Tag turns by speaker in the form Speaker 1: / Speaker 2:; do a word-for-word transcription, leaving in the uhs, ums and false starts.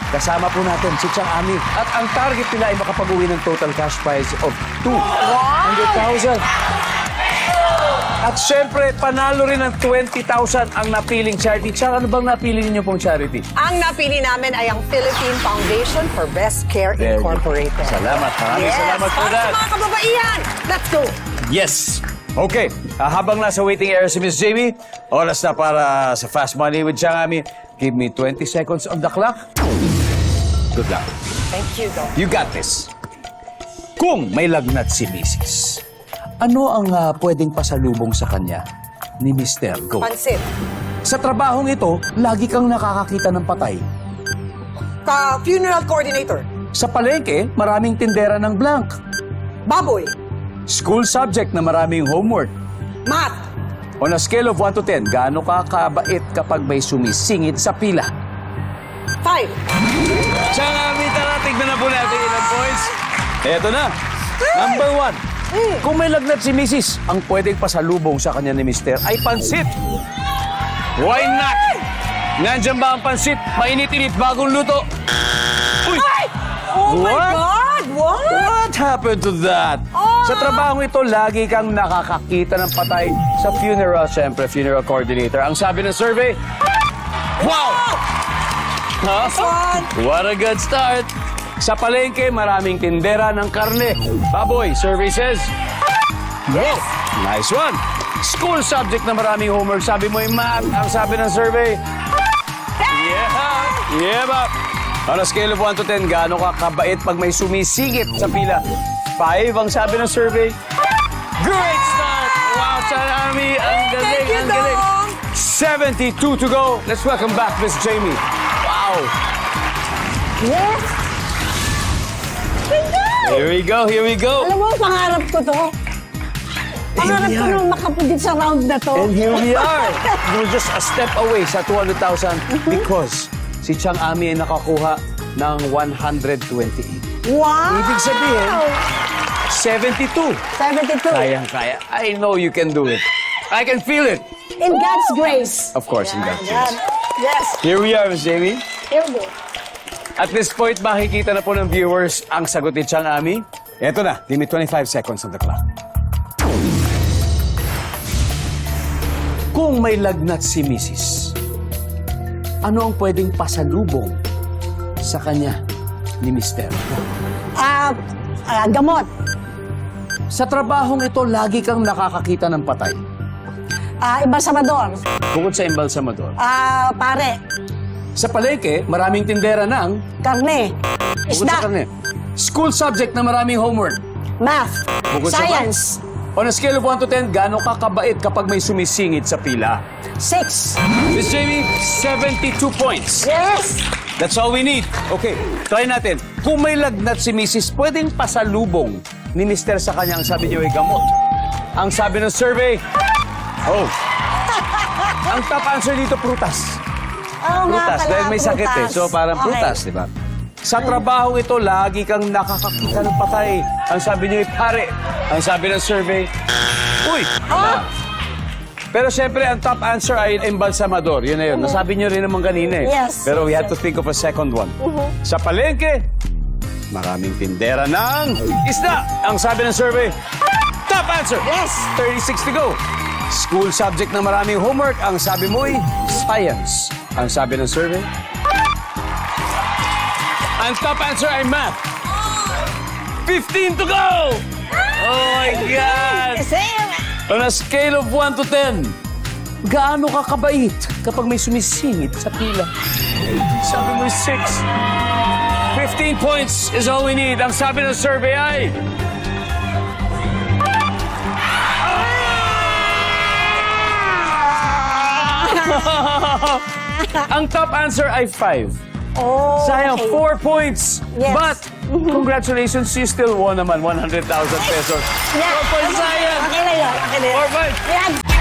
Speaker 1: kasama po natin si Chang Ami. At ang target nila ay makapag-uwi ng total cash prize of two hundred thousand. At syempre, panalo rin ng twenty thousand ang napiling charity. Chang, ano bang napili ninyo pong charity?
Speaker 2: Ang napili namin ay ang Philippine Foundation for Breast Care
Speaker 1: Very good.
Speaker 2: Incorporated.
Speaker 1: Salamat, maraming
Speaker 2: Yes,
Speaker 1: salamat po
Speaker 2: para
Speaker 1: dad.
Speaker 2: sa mga kababaihan. Let's go.
Speaker 1: Yes! Okay, ah, habang nasa waiting area si Miss Jamie, oras na para sa Fast Money with Chang Ami. Give me twenty seconds on the clock. Good luck.
Speaker 2: Thank you, Doc.
Speaker 1: You got this. Kung may lagnat si Missus, ano ang ah, pwedeng pasalubong sa kanya ni Mister Go?
Speaker 2: Pansit.
Speaker 1: Sa trabahong ito, lagi kang nakakakita ng patay.
Speaker 2: Ka funeral coordinator.
Speaker 1: Sa palengke, maraming tindera ng blank.
Speaker 2: Baboy.
Speaker 1: School subject na maraming homework.
Speaker 2: Math.
Speaker 1: On a scale of one to ten, gaano ka kabait kapag may sumisingit sa pila?
Speaker 2: Five.
Speaker 1: Chang Ami, tara, tignan na po natin ilang points. Eto na. Number one. Kung may lagnat si Missus, ang pwedeng pasalubong sa kanya ni Mister ay pansit. Why not? Nandyan ba ang pansit? Mainit-init, bagong luto. Uy!
Speaker 2: Ay! Oh my
Speaker 1: What?
Speaker 2: God! What?
Speaker 1: What happened to that?
Speaker 2: Oh!
Speaker 1: Sa trabaho ito, lagi kang nakakakita ng patay sa funeral. Siyempre, funeral coordinator. Ang sabi ng survey, wow! Huh?
Speaker 2: Fun.
Speaker 1: What a good start! Sa palengke, maraming tindera ng karne. Baboy, survey says,
Speaker 2: Yes.
Speaker 1: nice one! School subject na maraming homework. Sabi mo yung math. Ang sabi ng survey, yeah! Yeah, ba? On a scale of one to ten, gaano ka kabait pag may sumisingit sa pila? Five ang sabi ng survey. Great start! Wow, Chang Ami, ang galing,
Speaker 2: Thank you,
Speaker 1: ang galing.
Speaker 2: Dong.
Speaker 1: seventy-two to go. Let's welcome back Miss Jamie. Wow!
Speaker 2: Yes.
Speaker 1: Here we go, here we go.
Speaker 3: Alam mo, pangarap ko to. Pangarap ko nung makapundit sa round na to.
Speaker 1: And here we are. We're just a step away sa two hundred thousand because si Chang Ami ay nakakuha ng one hundred twenty-eight.
Speaker 3: Wow!
Speaker 1: Ibig sabihin, seventy-two.
Speaker 3: seventy-two.
Speaker 1: Kayang-kaya. I know you can do it. I can feel it.
Speaker 3: In God's grace.
Speaker 1: Of course, in that
Speaker 3: Yan.
Speaker 1: case.
Speaker 3: Yes.
Speaker 1: Here we are, Miss Jamie.
Speaker 3: Here we go.
Speaker 1: At this point, makikita na po ng viewers ang sagot ni Chang Ami. Eto na, give me twenty-five seconds on the clock. Kung may lagnat si Missus, ano ang pwedeng pasalubong sa kanya ni Mister?
Speaker 3: Ah, ah, gamot.
Speaker 1: Sa trabahong ito, lagi kang nakakakita ng patay.
Speaker 3: Ah, embalsamador.
Speaker 1: Bukod sa embalsamador.
Speaker 3: Ah, pare.
Speaker 1: Sa palengke, maraming tindera ng
Speaker 3: Karne.
Speaker 1: bukod sa
Speaker 3: Isda.
Speaker 1: karne. School subject na maraming homework.
Speaker 3: Math.
Speaker 1: Bukod sa
Speaker 3: Science.
Speaker 1: On a scale of one to ten, gaano ka kabait kapag may sumisingit sa pila?
Speaker 3: Six.
Speaker 1: Miss Jamie, seventy-two points.
Speaker 3: Yes.
Speaker 1: That's all we need. Okay, try natin. Kung may lagnat si Missus, pwedeng pasalubong ni Mister sa kanya. Ang sabi niyo ay gamot. Ang sabi ng survey, oh. Ang top answer dito, prutas.
Speaker 3: Oo nga
Speaker 1: Prutas,
Speaker 3: pala,
Speaker 1: dahil may sakit eh.
Speaker 3: prutas.
Speaker 1: So parang
Speaker 3: Okay.
Speaker 1: prutas, di ba? Sa trabaho ito, lagi kang nakakakita ng patay. Ang sabi niyo ay pare. Ang sabi ng survey, uy!
Speaker 3: Ah!
Speaker 1: Pero siyempre, ang top answer ay embalsamador. Yun na yun. Nasabi niyo rin naman kanina eh.
Speaker 3: Yes,
Speaker 1: Pero we
Speaker 3: yes,
Speaker 1: had to think of a second one. Sa palengke, maraming tindera ng isda. Ang sabi ng survey, top answer!
Speaker 3: Yes.
Speaker 1: thirty-six to go. School subject na maraming homework. Ang sabi mo ay science. Ang sabi ng survey, ang top answer ay math. fifteen to go! Oh my God!
Speaker 3: Same.
Speaker 1: On a scale of one to ten, gaano ka kabait kapag may sumisingit sa pila? Sabi mo six. fifteen points is all we need. Ang sabi ng survey ay... Ang top answer ay five.
Speaker 3: Oh,
Speaker 1: Sayang,
Speaker 3: okay.
Speaker 1: four points.
Speaker 3: Yes.
Speaker 1: But, congratulations, you still won naman one hundred thousand pesos.
Speaker 3: Yeah.
Speaker 1: Four points, sayang.
Speaker 3: Okay na yun. Okay na yun.
Speaker 1: Four points.
Speaker 3: Yan.